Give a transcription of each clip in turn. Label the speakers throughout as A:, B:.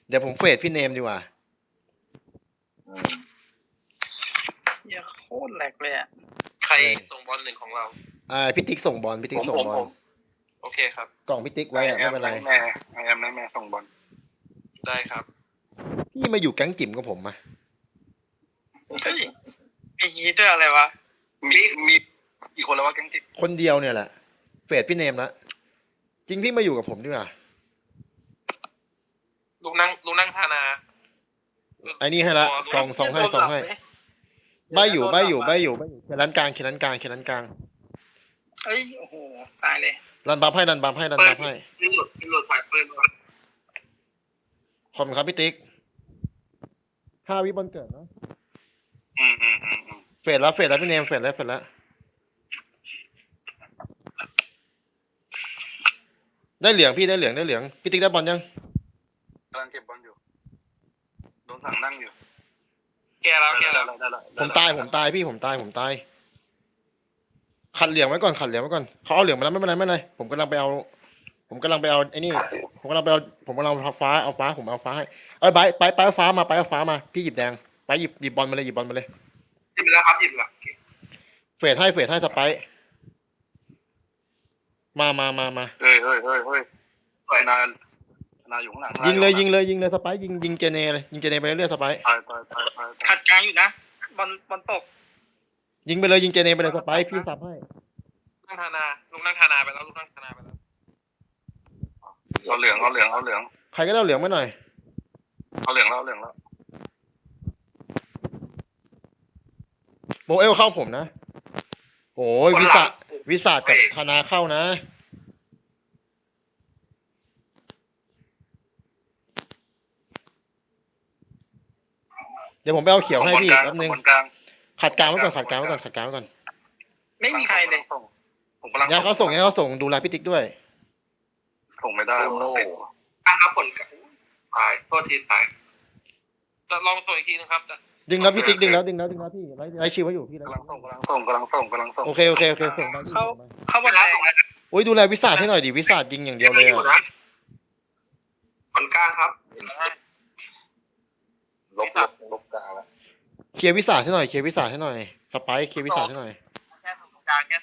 A: เดี๋ยวผมเฟดพี่เนมดีกว่า
B: เหี้ยโคตรแหลกเลยอ่ะ
C: ใครส่งบอลหนึ่งของเรา
A: พี่ติ๊กส่งบอลพี่ติ๊กส่งบอล
C: โอเคครับ
A: กล่องพี่ติ๊กไว้อะไม่เป็นไร
D: แม่ส่งบอล
C: ได้ครับ
A: พี่มาอยู่แก๊งจิ๋มกับผมมา
B: เฮ้ยมีงี้ด้วยอะไรวะ
D: มีกี่คนแล้ววะแก๊งจิบ
A: คนเดียวเนี่ยแหละเฟดพี่เนมละจริงพี่มาอยู่กับผมดีกว่า
C: ลุงนั่งธานา
A: ไอ้นี่ให้ละซองให้ใบอยู่เขียนร้านกลาง
B: เอ้ยโอ้โหตายเลย
A: รันบัฟให้
D: หลุดผ่านปืน
A: ขอบคุณครับพี่ติ๊ก5 วิบอลเกิดเนาะเฟดแล้วพี่เนมเฟดแล้วได้เหลืองพี่ได้เหลืองพี่ติ๊กได้บอลยัง
D: กำลังเก็บบอลอยู่โดนสั่งนั่งอยู่
C: แกแล้ว
A: ผมตายพี่ผมตายขัดเหลืองไว้ก่อนเขาเอาเหลืองมาแล้วไม่เป็นไรผมกำลังไปเอาไอ้นี่ผมกำลังเอาฟ้าผมเอาฟ้าให้ไปเอาฟ้ามาพี่หยิบแดงไปหยิบบอลมาเลย
D: หยิบแล้วครับหยิบแล้ว
A: เฟดให้สไปร์มา
D: เฮ้ยสวยนาอยู่ข้างหลัง
A: ยิงเลยสไปร์ยิงเจเนเลยยิงเจเนไปเรื่อยๆสไปร์
D: ตาย
B: ขัดกลางอยู่นะบอลตก
A: ยิงไปเลยยิงเจเนไปเลยสไปร์พี่สับให้
C: ลุงนั่งธานาไปแล้ว
D: เอาเหลือง
A: ใครก็ได้เอาเหลืองมาหน่อย
D: เอาเหลืองแล้ว
A: โมเอลเข้าผมนะโอ้ยวิสากับธนาเข้านะเดี๋ยวผมไปเอาเขียวให้พี่แป๊บนึงขัดกลางไว้ก่อน
B: ไม่มีใครเลย
D: ผมกำลัง
A: งั้นเขาส่งดูแลพี่ติ๊กด้วย
D: ส่งไม่ได้
B: ครับฝน
D: ตายโทษทีตาย
C: จะลองส่งอีกทีนึงครับ
A: ดึงแล้วพี่ติ๊กดึงแล้วพี่ไล่ชิวไว้อยู่พี่
D: กำลังส่ง
A: โอเคส่งมา
B: เข้าบอลแรง
A: โอ้ยดูแลวิสาให้หน่อยดิวิสายิงอย่างเดียวเลยอะ
D: คนกลางครับลบกลางแล้ว
A: เคลียร์วิสาให้หน่อยสไปร์เคลียร์วิสาให้หน่อย
C: แค่ส่วนตรงกลางแล้ว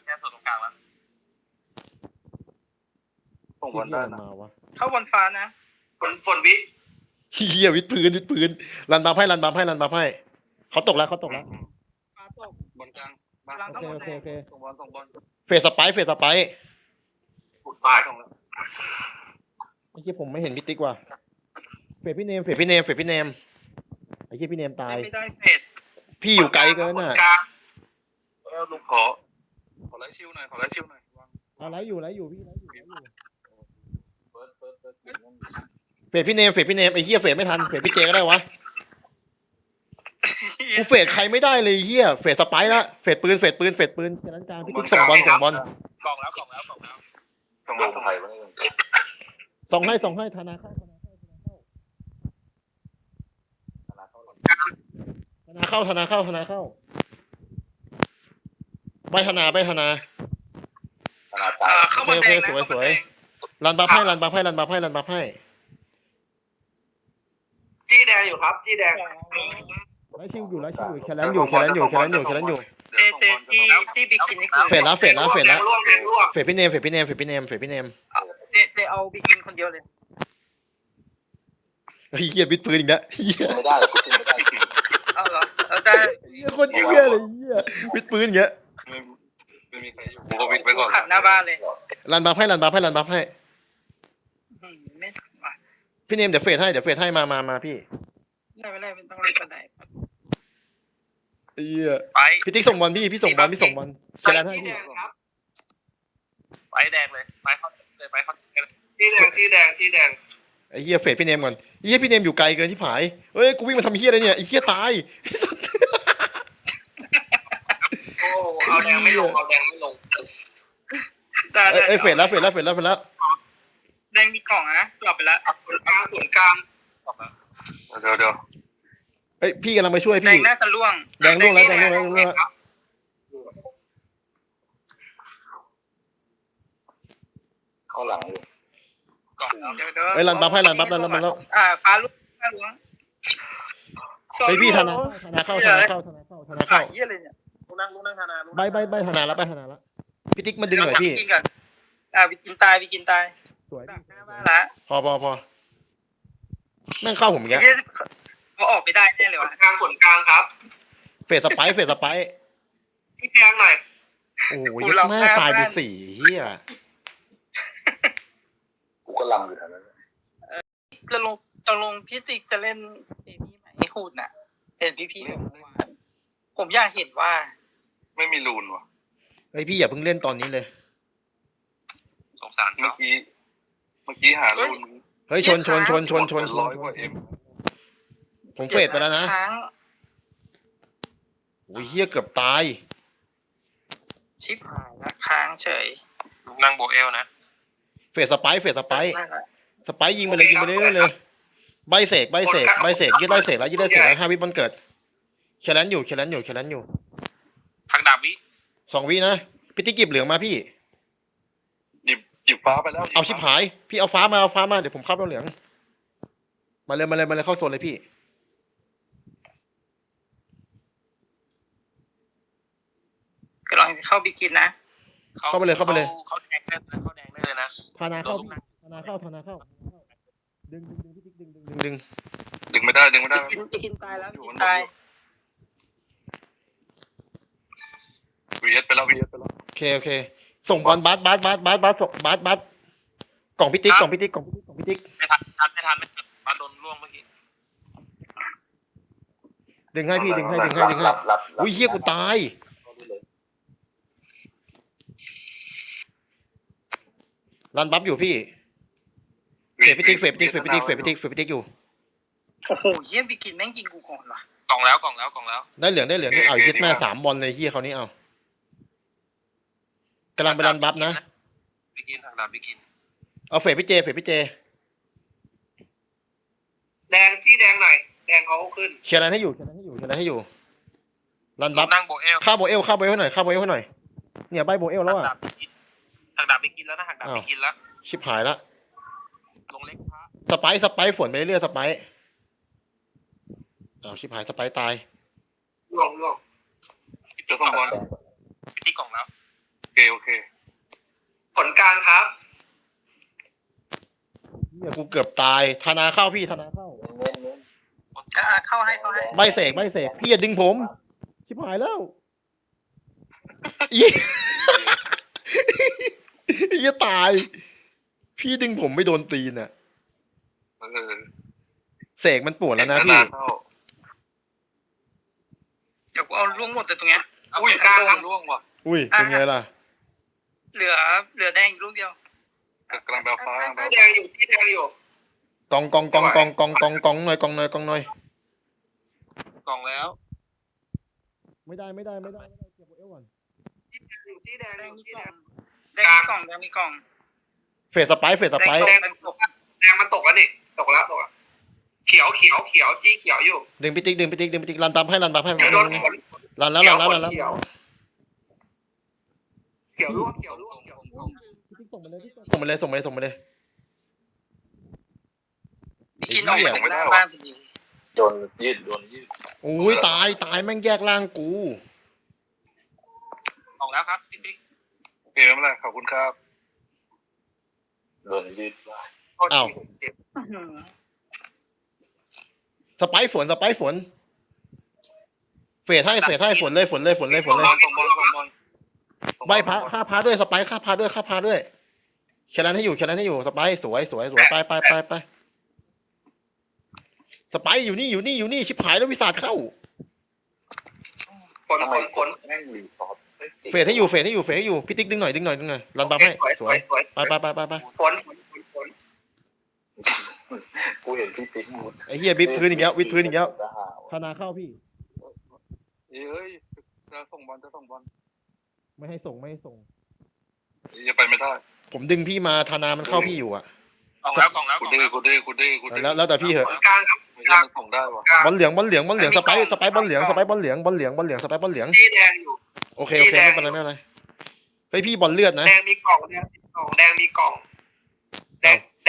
D: ส่งบอลได้นะ
A: มาวะ
B: เข้าบอลฟ้านะ
D: ฝนวิ
A: เฮียวิดปืนรันบัฟให้เขาตกแล้ว
B: ฟ้าตก
D: บอลกลาง
A: โอเค
D: ส่งบอล
A: เฟสสไปร์
D: สุดท้ายส่งแล้ว
A: ไอ้เหี้ยผมไม่เห็นพี่ติ๊กว่ะเฟสพี่เนมไอ้เหี้ยพี่เนมตาย
B: ไม่ได้เฟด
A: พี่อยู่ไกลเกินน่ะ
D: ลูกขอไลฟ์ชิวหน่อย
A: เอาไลฟ์อยู่พี่
D: เปิด
A: เฟสพี่เนมไอ้เหี้ยเฟสไม่ทันเฟสพี่เจก็ได้วะกูเฟสใครไม่ได้เลยเหี้ยเฟสสไปร์ละเฟสปืนแค่นั้นกลางพี่ติ๊กส่งบอล
C: กล่องแล้ว
D: ส่งลงไทยไว้
A: ส่งให้ธนาเข้าใบธนา
B: เข้าบอลแดงนะ
A: สวยรันบัฟให้
D: จี้แดงอยู่ครับจี้แดง
A: ไล่ชิวอยู่แคลนอยู่
B: เจจี้บิ๊กกินนี่คือ
A: เฟสแล้ว
D: ร่วง
A: เฟสพี่เนม
B: เจเอาบิ๊กกินคนเดียวเลย
A: เฮียบิดปืนอีกแล้วเฮีย
D: ไม่ได้
B: เอาเหรอได้
A: เฮียโคตรเฮียเลยเฮียบิดปืนอย่างเงี้ย
D: ไม่มีใครอยู่ผมก็วิดไปก่อน
B: ขัดหน้าบ้านเลย
A: รันบัฟให้
B: ไม่ทันว่ะ
A: พี่เนมเดี๋ยวเฟสให้มาพี่
B: ไม่ต้องเล่นกันไหน
A: เฮีย
C: ไป
A: พี่ติ๊กส่งบอลพี่ส่งบอลเชลให้พี่
C: ไปแดงเลยไปเขา
D: จี้แดง
A: ไอ้เฮียเฟสพี่เนมก่อนเฮียพี่เนมอยู่ไกลเกินที่ผายเฮ้ยกูวิ่งมาทำเฮียอะไรเนี่ยไอ้เฮียตาย
D: โอ้เอาแดงไม่ลง
A: เอ้ยเฟสแล้ว
B: แดงมีกล่องนะกลับไปแล้ว
D: ส่วนกลางเดี๋ยว
A: เอ้ยพี่กำลังไปช่วย
B: แด
A: พี่
B: งน่าจะล่วง
A: แดงล่วงแล้ว
D: เข้าหลังอยู่
C: ก่อนแล้ว
B: เดี๋ยว
A: เอ้ยรันบัฟให้รันบัฟรันบัฟแล้ว
B: ฟ้าลูกฟ้าหลวง
A: เฮ้ยพี่ธนาเข้าธนาเข้าธนาเข้าธนาเข้า
B: เยี่ยเลยเนี่ย
C: ลูกนั่งธนา
A: ใบธนาแล้วใบธนาแล้วพี่ติ๊กมาดึงหน่อยพี่
B: กินก่อนไปกินตายไปกินตาย
A: สวย
B: ดักหน้าบ้านละ
A: พอแม่งเข้าผมแก
B: เยี่ยเขาออกไม่ได้แน่เลยวะ
D: กลางส่วนกลางครับ
A: เฟสสไปร์
D: พี่แดงหน่อย
A: โอ้ยยัดแม่ตายไป4เฮีย
D: กูก็ลำอยู่แถวนั้น
B: จะลงพี่ติ๊กจะเล่นเอมี่ไหมพูดน่ะเห็นพี่บอกเมื่อวานผมอยากเห็นว่า
D: ไม่มีรูนว่ะ
A: เฮ้ยพี่อย่าเพิ่งเล่นตอนนี้เลย
C: สงสาร
D: เมื่
C: เขา
D: อกี้หารูน
A: เฮ้ยชน
D: ร้อยกว่าเอ็ม
A: ผมเฟดไปแล้วนะ
B: ค้าง
A: โอ้ยเฮียเกือบตาย
B: ชิบหายละค้างเฉย
C: ลูกนั่งโบเอลนะ
A: เฟสสไปร์สไปร์ยิงไปเลยเรื่อยๆเลยใบเสกยืดได้เสกแล้ว5 วิบอลเกิดเคลันอยู่
C: หักดาบวิ
A: 2 วินะพี่ติ๊กหยิบเหลืองมาพี่
D: หยิบฟ้าไปแล้ว
A: เอาชิบหายพี่เอาฟ้ามาเดี๋ยวผมเข้าเอาเหลืองมาเลยเข้าโซนเลยพี่
B: กำลังเข้าบิกินนะ
A: เข้าไปเลย
C: เขาแดงได้เลยนะ
A: ธนาเข้าดึงพี่ติ๊กดึง
D: ดึงไม่ได้
B: บิกินตายแล้วบิกินตาย
D: VS ไปแล้ว
A: โอเคส่งบอลบัสกล่องพี่ติ๊ก
C: ไม่ทันมาโดนล่วงเมื่อกี้
A: ดึงให้พี่ดึงให้อุ้ยเฮียกูตายรันบัฟอยู่พี่เฟดพี่ติ๊กอยู่
B: โอ้โหเยี่ยมบิกินแม่งยิงกูก่อนว่ะ
C: กล่องแล้ว
A: ได้เหลืองนี่เอายึดแม่3 บอลเลยเฮียเขาวนี้เอากำลังไปรันบัฟนะ
C: บิกินหักดาบบิกิน
A: เอาเฟดพี่เจ
D: แดงที่แดงหน่อยแดงเขาขึ้น
A: เคลียร์อะไรให้อยู่รัน
C: ลู
A: บัฟ
C: กนั่งโบเอล
A: ฆ่าโบเอลให้หน่อยเนี่ยใบโบเอลแล้วอ่ะ
C: หักดาบบิกินแล้วนะหักดาบบิกินแล้ว
A: ชิบหายละ
C: ลงเล็กพระ
A: สไปร์ฝนไปเรื่อยๆสไปร์อ้าวชิบหายสไปร์ตาย
D: ล่วงจะส่งบอล
C: ที่กล่องแล้ว
D: โอเคผลกลางครับ
A: เนี่ยกูเกือบตายธนาเข้าพี่ธนาเข้า
B: เข้าให้
A: ใบเสกพี่อย่าดึงผมชิบหายแล้วอีอย่าตาย พี่ดึงผมไม่โดนตีนอ่ะเสกมันปวดแล้วนะพี่
B: เดี๋ยวกูเอาล่วงหมดเลยตรงเนี้ย
D: อุ้ยกลางครับล่วงว่ะ
A: อุ้ยเป็นไงล่ะ
B: เหลือแดงอีกลูกเดียว
D: กำลังแบลฟ้าแดงอยู่ที่แดงอยู่
A: กองหน่อย
C: กล่องแล้ว
A: ไม่ได้เก็บโบเอลก่อน
D: อยู่ที่แดง
B: แด
D: อง ยู่
B: มี
D: ที่
B: ก
D: แด
B: ล่อง
D: ง
B: แดงมีกล่อง
A: เฟสสไปร์
B: แดงตก
D: แดงมันตกแล้วนี่ตกแล้วเขียวจี้เขียวอยู่
A: ดึงพี่ติ๊กรันบัฟให้
D: โดน
A: รันแล้ว
D: เขียวล่วง
A: ส่งมาเลย
B: บิกินออกมาจากหน้าบ้านพอดี
D: โดนยืด
A: อุ้ยตายแม่งแยกล่างกู
C: กล่องแล้วครับติ๊ก
D: โอเคไม่เป็นไรขอบคุณครับโดนยืด
A: อ้าว สไปร์ฝนเฟดให้ฝนเลย ใบพระฆ่าพระด้วยสไปร์ฆ่าพระด้วยเคลันให้อยู่สไปร์สวยไปสไปร์อยู่นี่ชิบหายแล้ววิสาดเข้า
D: ฝนแม่งรีซอฟ
A: เฟดให้อยู่พี่ติ๊กดึงหน่อยรันบัฟให้สวยไป
D: ฝน กูเห็นพี่ติ๊กมุด
A: ไอ้เหี้ยวิดพื้นอีกแล้วธนาเข้าพี่
D: เอ้ยจะส่งบอล
A: ไม่ให้ส่ง
D: จะไปไม่ได้
A: ผมดึงพี่มาธนามันเข้าพี่อยู่อ่ะ
C: กล่องแล้ว
D: กูดื้อ
A: แล้วแต่พี่เหอะ
D: กลางครับไม่ใช่มันส่งได้ว่ะ
A: บอลเหลืองสไปร์บอลเหลืองสไปร์บอลเหลือง
D: ที่แดงอยู่
A: โอเคไม่เป็นไรเฮ้ยพี่บอลเลือดนะ
D: แดงมีกล่องแดงมีกล่องแด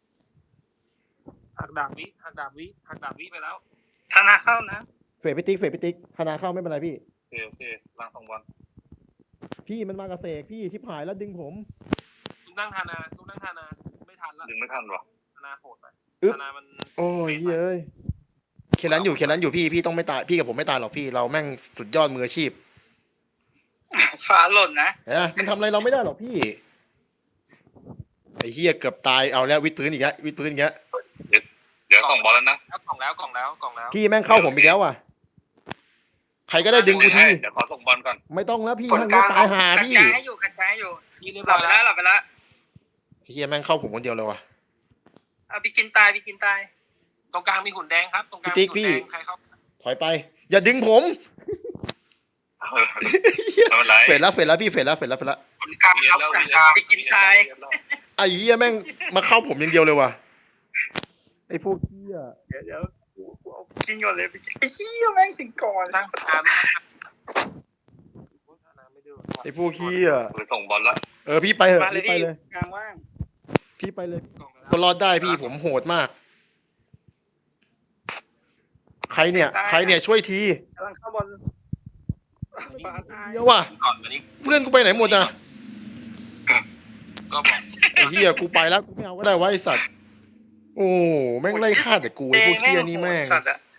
A: อ
C: หักดาบวิไปแล้ว
B: ธนาเข้านะ
A: เฟดพิติ๊กธนาเข้าไม่เป็นไรพี่
D: โอเคล้าง2 วัน
A: พี่มันมากับเสกพี่ชิบหายแล้วดึงผม
C: ทุกนั่งทานาไม่ทันละ
D: ดึงไม่ทันหรอ
C: ทานาโหดไป
A: อึ๊บ
C: ทานามัน
A: โอ้ยเฮ้ยเคลันอยู่พี่ต้องไม่ตายพี่กับผมไม่ตายหรอกพี่เราแม่งสุดยอดมืออาชีพ
B: ฟ้าหล่นนะ
A: เห็นไหมมันทำอะไรเราไม่ได้หรอกพี่ไอ้เหี้ยเกือบตายเอาแล้ววิดพื้นอีกแล้วเ
D: ดี๋ยว2 บอลแล้วนะ
C: กล่องแล้ว
A: พี่แม่งเข้าผมอีกแล้วอ่ะใครก็ได้ดึงกูที
D: เดี๋ยวขอส่งบอลก่อน
A: ไม่ต้องแล้วพี่
B: ผล
A: ทั้ง
B: ก
A: นี้
B: ลาง
A: ตายหา
B: ขัด
A: พี่
B: กลางให้อยู่ขัดกลางให้อยู่
C: พี่เรียบ
B: หลั
C: ร้อบ ย
B: ไป
C: แล้ว
B: แล้วหลับไปแล้ว
A: ไอ้เหี้ยแม่งเข้าผมคนเดียวเลยว่ะ
B: เอาไปกินตาย
C: ตรงกลางมีหุ่นแดงครับตรงกลาง
A: พี่
C: มี
A: ติ๊
C: หุ่
A: ก
C: นแดงใครเข้า
A: ถอยไป อย่าดึงผม
D: ไม่เป็นไร
A: เฟดแล้วพี่เฟดแล้ว
B: ผลกลางครับผลกลางไปกินตาย
A: ไอ้เหี้ยแม่งมาเข้าผมอย่างเดียวเลยว่ะไอ้พวกเหี้ย
B: เดี๋ยวกูเอากินก่อนเลยไปกินไอ้เหี้ยแม่งถึงก่อน
C: นั่งทานไม่ดู
A: ไอ้พวกเหี้ย
D: ไปส่งบอลแล้ว
A: พี่ไปเถอะ
B: มาเลย
A: พี่ไป
B: พี่
A: เลย
B: กลางว่าง
A: พี่ไปเลย
C: กล่องแล้ว
A: ก็รอดได้พี่ผมโหดมาก ใครเนี่ยช่วยที
B: กำลังเข้าบอลฟ้าตาย
A: เดี๋ยวว่ะ
C: ก่อนวันนี้
A: เพื่อนกูไปไหนหมดอ่ะ
C: ก็บอก
A: ไอ้เหี้ยกูไปแล้วกูไม่เอาก็ได้วะไอ้สัตว์โอ้แม่งไล่ฆ่าแต่กูไอ้พวกเหี้ยนี่แม่ง
B: สัตว์อะ